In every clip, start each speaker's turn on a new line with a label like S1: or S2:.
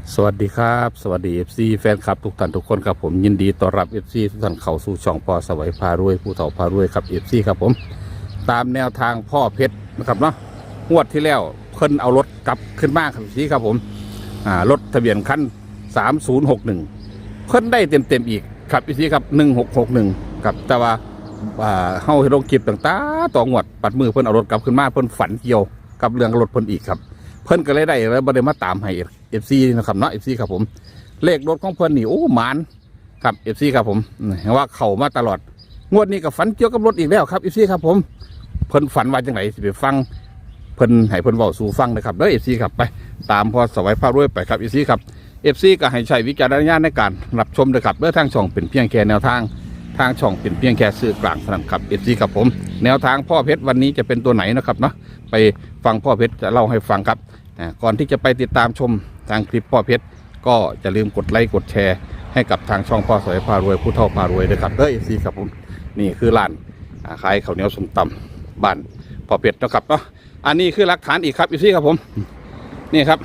S1: สวัสดีครับสวัสดี FC แฟนคลับทุกท่านทุกคนครับผมยินดีต้อนรับ FC ทุกท่านเข้าสู่ช่องพ่อสวัยพารวยผู้เฒ่าพารวยครับ FC ครับผมตามแนวทางพ่อเพชรนะครับเนาะงวดที่แล้วเพิ่นเอารถกลับขึ้นมาครับ FC ครับผมรถทะเบียนคัน3061เพิ่นได้เต็มอีกครับ FC ครับ1661ครับแต่ว่าเฮาให้ลงคลิปต่างๆต่องวดปัดมือเพิ่นเอารถกลับขึ้นมาเพิ่นฝันเกี่ยวกับเรื่องรถเพิ่นอีกครับเพิ่นก็เลยได้แล้วบ่ได้มาตามให้FC นะครับเนาะ FC ครับผมเลขรถของเพิ่นนี่โอ้หมานครับ FC ครับผมเห็นว่าเข้ามาตลอดงวดนี้ก็ฝันเกี่ยวกับรถอีกแล้วครับ FC ครับผมเพิ่นฝันว่าจังไดสิไปฟังเพิ่นให้เพิ่นเว้าสู่ฟังนะครับเด้อ FC ครับไปตามพอสวัยพารวยไปครับ FC ครับ FC ก็ให้ใช้วิจารณญาณในการรับชมด้วยครับเด้อทางช่องเป็นเพียงแค่แนวทางทางช่องเป็นเพียงแค่สื่อกลางเท่านั้นครับ FC ครับผมแนวทางพ่อเพชรวันนี้จะเป็นตัวไหนนะครับเนาะไปฟังพ่อเพชรจะเล่าให้ฟังครับก่อนที่จะไปติดตามชมทางคลิปพ่อเพชรก็อย่าลืมกดไลค์กดแชร์ให้กับทางช่องพ่อสวยพารวยผู้เฒ่าพารวยด้วยครับเด้อ FC ครับผมนี่คือร้านขายข้าวเหนียวส้มตำบ้านพ่อเพชรนะครับเนาะอันนี้คือหลักฐานอีกครับ FC ครับผมนี่ครับ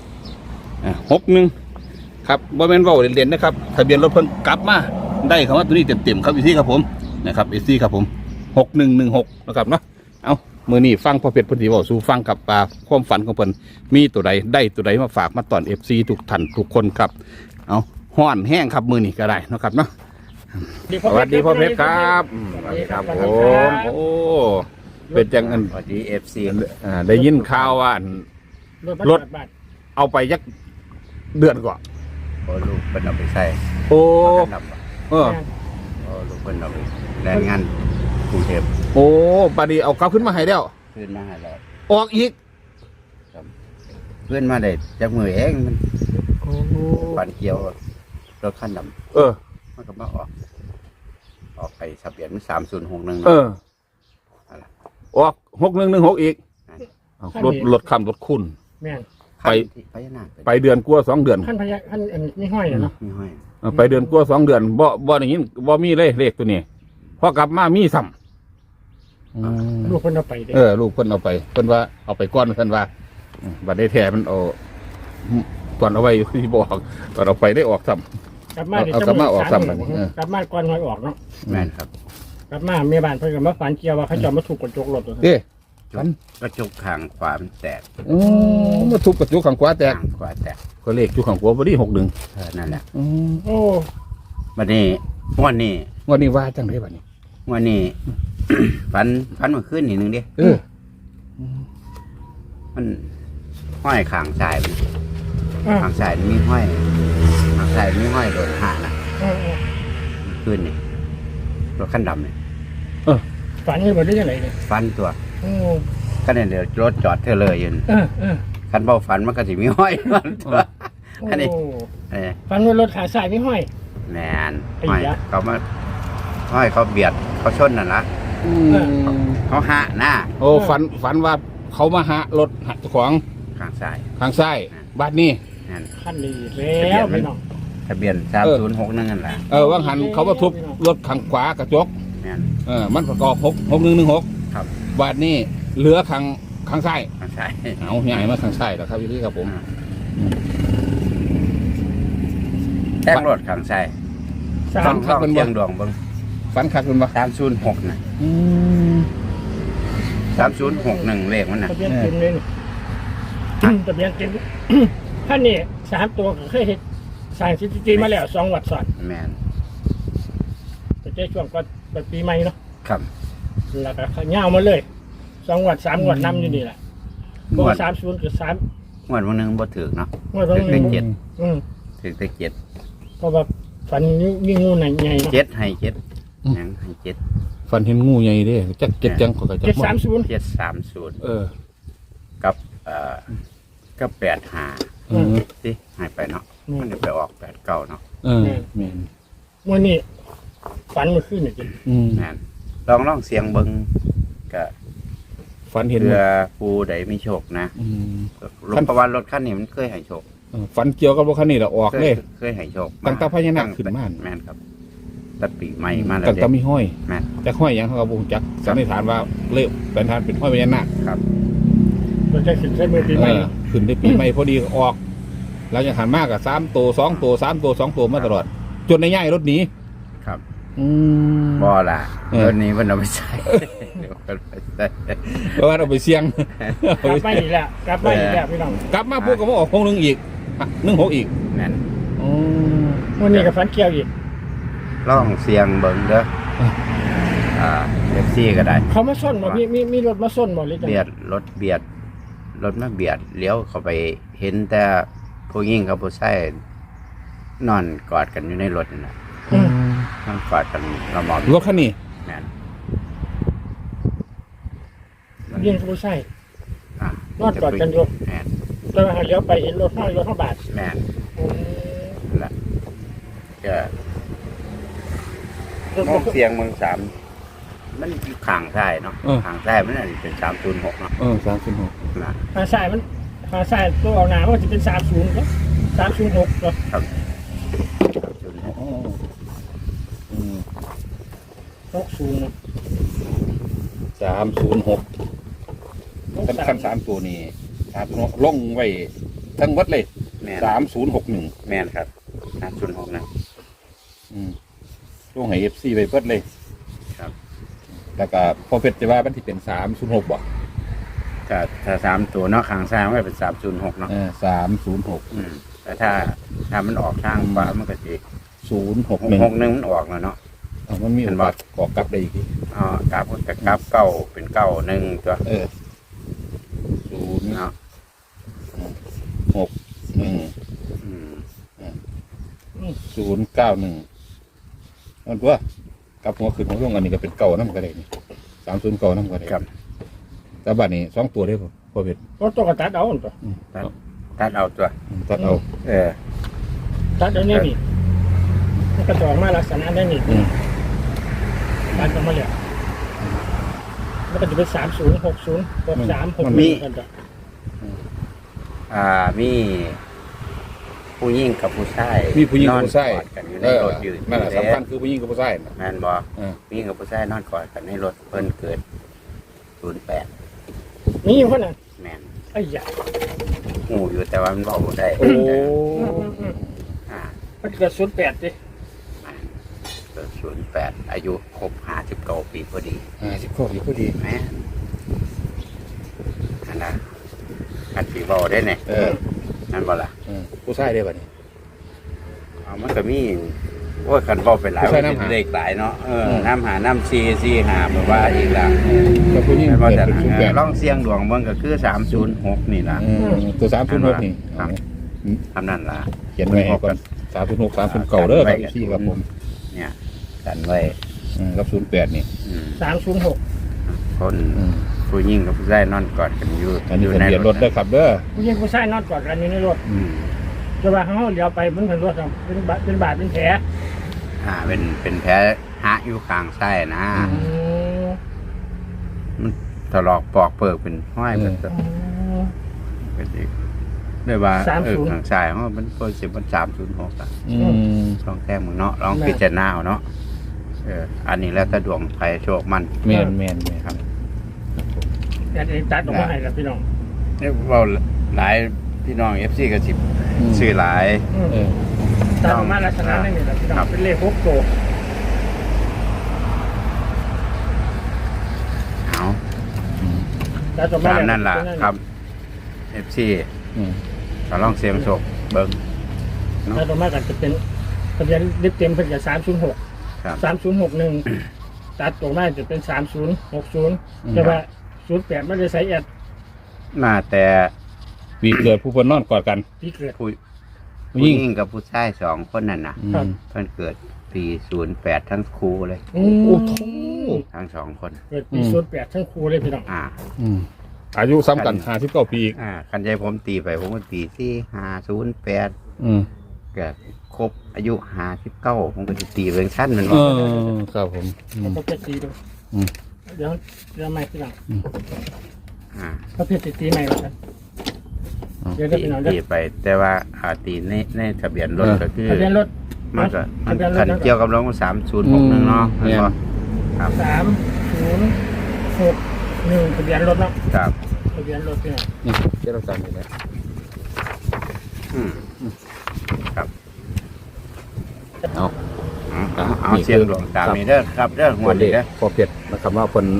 S1: 61ครับบ่แม่นเว้าเล่นๆนะครับทะเบียนรถเพิ่นกลับมาได้คำว่าตัวนี้เต็มๆครับ FC ครับผมนะครับ FC ครับผม6116นะครับเนาะเอามือนี้ฟังพ่อเพชรพุทธิบอกสู่ฟังกับความฝันของเพิ่นมีตัวใดได้ตัวใดมาฝากมาตอน FC ทุกท่านทุกคนครับเอาห้อนแห้งครับมือนี้ก็ได้นะครับเนาะสวัสดีพ่อเพชรครับสวัสดีครับผมโอ้เป็นจังอัน
S2: สวัสดี FC
S1: ได้ยินข่าวว่า รถ เอาไปยักเดือนกว่า
S2: โอ้ลูกเพิ่นเอาไปใส่
S1: โอ้
S2: นับ
S1: เออ
S2: โอ้ลูกเพิ่นเอาไปแรงงานกรุงเทพ
S1: โอ้ปาดีเอากลับขึ้นมาให้แล้ว
S2: ขึ้นมาให้แล้ว
S1: ออกอีก
S2: เพื่อนมาได้จากมือเองมัน
S1: โอ้
S2: ปันเกี่ยวรถคันด
S1: เออ
S2: ำมันก็มาออกไปทะเบียนมัน3061
S1: เออออก6116อีกเอารถคำรถคุณ
S3: แม่น
S1: ไป
S2: พญานาค
S1: ไปเดือนกลัว2 เดือน
S3: ขั้นพยาขั้นอันนี้ห้อยเนาะ
S2: มีห้อย
S1: ไปเดือนกลัว2 เดือนบ่อย่างนี้บ่มีเลยเลขตัวนี้พอกลับมามีซ้ำ
S3: ลูกคนเอาไปเด้
S1: ลูกเพิ่นเอาไปเพิ่นว่าเอาไปก้อนเพิ่นว่าบัดได้แท้มันเอาตอนเอาไว้ที่บอกตอนเอาไปได้ออกซ้ำ
S3: กลับมา
S1: เอากลับมาออกซ้ำบัดนี้
S3: กลับมาก่อนหอยออกเนาะ
S2: แม่นครับ
S3: กลับมาเมียบ้านเพิ่นก็มาฝันเกี่ยวว่าเขาจะมาถูกกระจกรถตัว
S1: เด้
S2: กระจกข้างขวามันแตก
S1: มาทุบกระจกข้างขวาแตก
S2: ข้างขวาแตก
S1: ก็เลขอยู่ข้างขวาพอดี61
S2: นั่นแหละ
S3: โอ้
S2: วันนี้วันนี้
S1: วันนี้ว่าจังไดบัดนี้
S2: วันนี้ ฝันเมื่อคืนนี่นึงดิ
S1: เออ
S2: มันห้อยข้างซ้ายมัน
S3: อ่า
S2: ข้างซ้ายมันมีห้อยข้างซ้ายมีห้อยโดนหานะ ขึ้นนี่รถขั้นดำเนี่ย
S3: ฝันนี่บ่ได้ยังไงเนี่ย
S2: ฟันตัว
S3: โอ้
S2: ก็เนี่ยเดี๋ยวรถจอดเธอเลยยืน
S3: เออ
S2: คันเบาฟันมันก็สิมีห้อยมันตัวคันนี้
S3: โอ้
S2: เ
S3: ฝันว่ารถขาสายไม่ห้อย
S2: แมน
S3: ไอ้
S2: ห้อย
S3: ยะ
S2: เขามาห้อยเขาเบียดเขาชนนั่นละเขาหะหน้า
S1: โอ้ฝันว่าเขามาหารถหักของ
S2: ข้างซ้าย
S1: ทางซ้ายบ้านนี้
S2: นั่น
S3: ขั้นนี้แล้วพี่น้อง
S2: ทะเบียน3061นั่นแหละ
S1: ว่างหันเขามาทุบรถข้างขวากระจก
S2: แมน
S1: มันประกอบ6116
S2: ครับ
S1: บ้านนี้เหลือข้างซ้าย
S2: ข้างซ้าย
S1: เอาใหญ่มาข้างซ้ายแล้วครับพี่ครับผม
S2: แท่งรถข้างซ้าย
S3: สา
S2: ต้
S3: ม
S2: องเชียงดวงเบิ่ง
S1: ฝันคักเป็นบ่
S2: 306น่ะ3061เลขมันน่ะ
S3: ทะเบียนเต็มเลยนี่ทะเบียนเต็มขั้นนี้3 ตัวก็เคยเห็นสร้างสถิติมาแล้ว2 วัดซ้อน
S2: แมน
S3: ไปเจอช่วงก่อนปีใหม่เนาะ
S2: ครับ
S3: แล้วก็เขาเงามาเลย2 วัด3 วัดนำอยู่นี่แหละเพราะว่า30กับ3
S2: งวดวันนึงบ่ถึกเนาะ
S3: งวดวัน
S2: ถึก
S3: นึ
S2: ได้
S3: ง
S2: เจ็ด
S3: อืม
S2: ถึกได้เจ็ด
S3: เพราะว่าฝันมีงูใหญ่เนาะ
S2: เจ็ดให้เจ็ดหยังให้เจ็ด
S1: ฝันเห็นงูใหญ่เด้จักเจ็ดจังขอกระจับ
S3: 730
S2: 730
S1: เออ
S2: กับก็85สิให้ไปเนาะมันจะไปออก89เนาะ
S1: เออแม่น
S3: วันนี้ฝันเมื่อคืนนี่จริง
S2: แม่นลองเสียงเบิ่งก็
S1: ฝันเห็น
S2: เพื่อผู้ใดมีโชคนะรถประวันรถคันนี้มันเคยให้โชค
S1: ฝันเกี่ยวกับรถคันนี้แหละออกเลย
S2: เคยให้โชค
S1: ตั้งแต่พญานาคขึ้นมา
S2: แม่นครับแต่ปีใหม่มาแล้ว
S1: ตั้งแต่มีห้อย
S2: แม่น
S1: จักห้อยหยังเขาก็บ่รู้จักสันนิษฐานว่าเละเป็นทานเป็นห้อยพญานาค
S2: ครับ
S3: เราจะขึ้นใช้มือปีใหม่
S1: ขึ้นได้ปีใหม่พอดีออกเราจะหันมากกับ3 ตัว 2 ตัว 3 ตัว 2 ตัวมาตลอด จนในย่ายรถหนี
S2: ครับ
S1: อืม
S2: บ่ล่ะ
S1: เออ
S2: รถนี้มันเอาไปใช้เดี๋ยวมันไปใช้
S1: เพราะว่าเราไปเสี่ยง
S3: กลับมาอีกแล้วกลับมาอีกแล้วพี่น้อง
S1: กลับมาปุ๊บก็มาออก61อีก16อีก
S2: แม่น
S1: อืม
S3: วันนี้กับฟันเกี่ยวอีก
S2: ลองเสียงเบิ่งเด้อเอฟซีก็ได้
S3: เขามาส้นบ่มีรถมาส้นบ่หรือจัง
S2: เบียดรถเบียดรถมาเบียดเลี้ยวเข้าไปเห็นแต่ผู้หญิงกับผู้ชายนอนกอดกันอยู่ในรถนั่นน่ะนอนกอดกันละหมอม
S1: รถคันนี้
S2: แม่น
S3: ยิงผู้ใส่
S2: อ่ะ
S3: นอนกอดกันอยู่
S2: แม่น
S3: แล้วเลี้ยวไปเห็นรถห้อยรถข้าบาท
S2: แม่นนั่นแหละก็
S3: รถ
S2: มองเสียงเมืองสามมันอยู่ข้างซ้ายเนาะข้างซ้ายมันอันนี้เป็น306เนาะ
S1: 306
S2: นะ
S3: หาสายมันหาสายตัวเอาหนาว่าจะเป็น30ครับ306ครับ
S2: ครับ
S1: อ๋ออืม
S3: 60นะ
S1: 306คัน3ตัวนี้3ลงไว้ทั้งวัดเลย
S2: แม่น
S1: 3061
S2: แม่นครับ306นะ
S1: ลงให้ FC ไปเบิดเลย
S2: ครับ
S1: แล้วก็พอเพชรจะว่ามันที่เป็น306บ่
S2: ถ้า3ตัวเนาะข้างซ้ายมันก็เป็น306เนาะ
S1: 306
S2: แต่ถ้ามันออกทางขวามันก็สิ
S1: 061
S2: 61มันออกแล้วเนาะ
S1: มันมี
S2: เห็
S1: โอน
S2: บ่
S1: กาสก่อกลับได้อีกที
S2: กราบก็กราบเก้าเป็นเก้าหนึ่งตัว
S1: 0
S2: เนาะ
S1: 6 1
S2: อืม
S1: 091มันตัวกลับหัวขึ้นหัวลงอันนี้ก็เป็นเก่านำก็ได้นี่309นำก็ได้
S2: ครับ
S1: แต่บัดนี้2ตัวได้บ่พอเพชร
S3: รถตัวกระตัดเอาตัว
S2: ตัดเอาตัว
S1: ตัดเอา
S3: ตัดเอานี่นี่มันกระจอกมาลักษณะได้นี่ตัดออกมาเลยแล้วก็จะเป็น3060 6361กันจ้ะ
S2: มีผู้หญิงกับผู้ชาย
S1: มีผู้หญิงกับผู้ชาย
S2: นอนกอดกันอยู่ในรถอยู่
S1: นั่นแหละสำคัญคือผู้หญิงกับผู้ชาย
S2: แม่นบ่ผู้หญิงกับผู้ชายนอนกอดกันในรถเพิ่นเกิด08
S3: นี่อยู่คนนั้น
S2: แม่น
S3: ไอ้ยา
S2: หูอยู่แต่ว่ามันบอกบ่ได้
S1: โอ้
S2: อ่า
S3: มันเกิด08ดิ
S2: เกิด08อายุครบ59ปีพอดี
S1: 50ข้อดีพอดี
S2: แม่นอันนั้นอันที่บอกได้เนี่ยนั่นบ่ล่ะ
S1: ผู้ชายได้บัดนี้
S2: เอามันก็มีว่ากันบอกไปหลาย
S1: ผู้ชายน้ำหา
S2: เลขหลายเนาะน้ำหาน้ำซีหาแบบว่าอีกละ
S1: ก็ผู้หญิง
S2: ไม่ว่า
S1: เกิด
S2: แต่
S1: เป็น08
S2: ล่องเสียงดวงเบิ่งก็คือ306นี่ล่ะ
S1: ตัว306นี่
S2: ครับ ทำนั่นล่ะ
S1: เขียนไว้ให้ก่อน306 309เด้อครับพี่ครับผม
S2: เนี่ยกันไว้
S1: กับ08นี่
S3: 306
S2: คนผู้หญิงกับผู้ชายนอนกอดกันอยู่
S1: อันนี้ทะเบียนรถเด้อครับเด้อ
S3: ผู้หญิงผู้ชายนอนกอดกันอยู่ในรถจะว่าเขาเลี้ยวไปมันเป็นรถครับเป็นบาดเป็นแผล
S2: เป็นแผลหะอยู่ข้างซ้ายนะมันถลอกปอกเปิกเป็นห้อยเป็นเป็นอีกด้วยว่าข้างซ้ายเขามันก็สิบมัน306อ่ะลองแท้มึงเนาะลองพิจารณาเอาเนาะอันนี้แล้วถ้าดวงไฟโชคมัน
S1: แม่นครับ
S3: แต่ตัดออกมาให้แล้วพี่น้อง
S2: เนี่ยเราหลายพี่น้อง FC ก็สิซื้อหลาย
S3: ตัดออกมาลักษณะนี้แหละพี่น้องเป็นเลข6ตัว
S2: เอา
S3: ตัดออกมา
S2: ตามนั่นล่ะครับ FC ก็ลองเสียงโชคเบิ่ง
S3: ตัดออกมากันจะเป็นทะเบียนเต็มเป็นกับ306
S2: ครับ
S3: 3061ตัดออกมาจะเป็น3060แต่ว่า08ไม่ได้ใส่แอด
S2: มาแต่
S1: ปีเกิดผู้เพิ่นนอนกอดกัน
S3: ที่เกิด
S2: ผู้หญิงกับผู้ชาย2คนนั่นน่ะ
S3: ครับ
S2: เพิ่นเกิดปี08ทั้งคู่เลย
S3: โอ้
S2: ทั้ง2คน
S3: เกิดปี08ทั้งครูเลยพี่น้อง
S1: อายุซ้ำกัน59ปีอีก
S2: คันใจผมตีไปผมก็ตีที่508เกิดครบอายุ59ผมก็จะตีเป็นชั้นมันว่า
S1: ครับผม
S3: แล้วก็ตีดูเดี๋ยวไม่พี่น้อง เขาเพชรตีใหม่ก่อนครับเดี๋ยวพี่น้องเดี๋ยว
S2: ตีไป แต่ว่าตีในทะเบียนรถก็คือ
S3: ทะเบียนรถ
S2: มันก็
S3: ทะเบียนรถ
S2: คันเกี่ยวกับรถ3061เนาะแม่นบ่ครับ
S3: 3061ทะเบียนรถเนาะ
S2: ครับ
S3: ทะเบียนรถพี่น้อง
S1: นี่เจ้าเราจำอยู่แล้ว
S2: อืมครับ
S1: เอา
S2: เอาเสียงหลวงตามนี้เด้อครับเด้อหัวนี้เด้อ
S1: พอเพียรนะครับว่าคน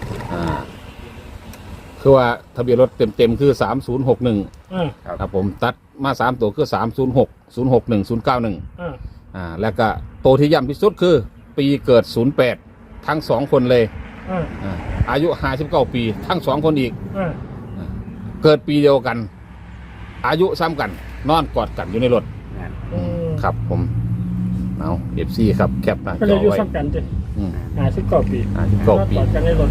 S1: คือว่าทะเบียนรถเต็มๆคือ3061ครับผมตัดมา3ตัวคือ306 061 091แล้วก็ตัวที่ย่ำที่สุดคือปีเกิด08ทั้ง2คนเลยอายุ59ปีทั้ง2คนอีกเกิดปีเดียวกัน อายุซ้ำกันนอนกอดกันอยู่ในรถครับผมเอาFC ครับแคปหน้า
S3: ก็
S1: จ
S3: เลย
S1: อ
S3: อยู่
S1: ไว้
S3: ซ้ำกันจ้ะ59 ปี
S1: 59 ปี
S3: กอดกันในรถ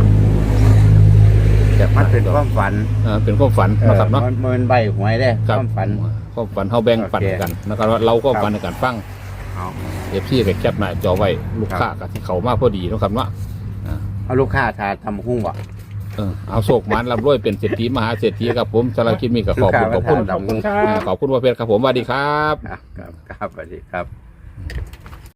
S1: แคปห
S2: มัน
S1: น้า
S2: เป็น
S1: จอ
S2: ความฝัน
S1: เป็นความฝันนะครับเนาะ
S2: มันใบหวยเด้อความฝัน
S1: ความฝันเขาแบ่งปันกันนะครับว่าเราก็ฝันในการฟัง
S2: เอา
S1: FC กับแคปหน้าจอไว้ลูกค้ากับที่เขามาพอดีนะครับเนาะ
S2: เอาลูกค้าทาทำหุ้งบ่
S1: เอาโศกมันรับรวยเป็นเศรษฐีมหาเศรษฐีครับผมสารบคลิปมีกับขอบคุณ
S2: ลูกค้า
S3: ขอบคุณครับ
S1: ขอบคุณว่าเพชรครับผมสวัสดีครับ
S2: ครับสวัสดีครับ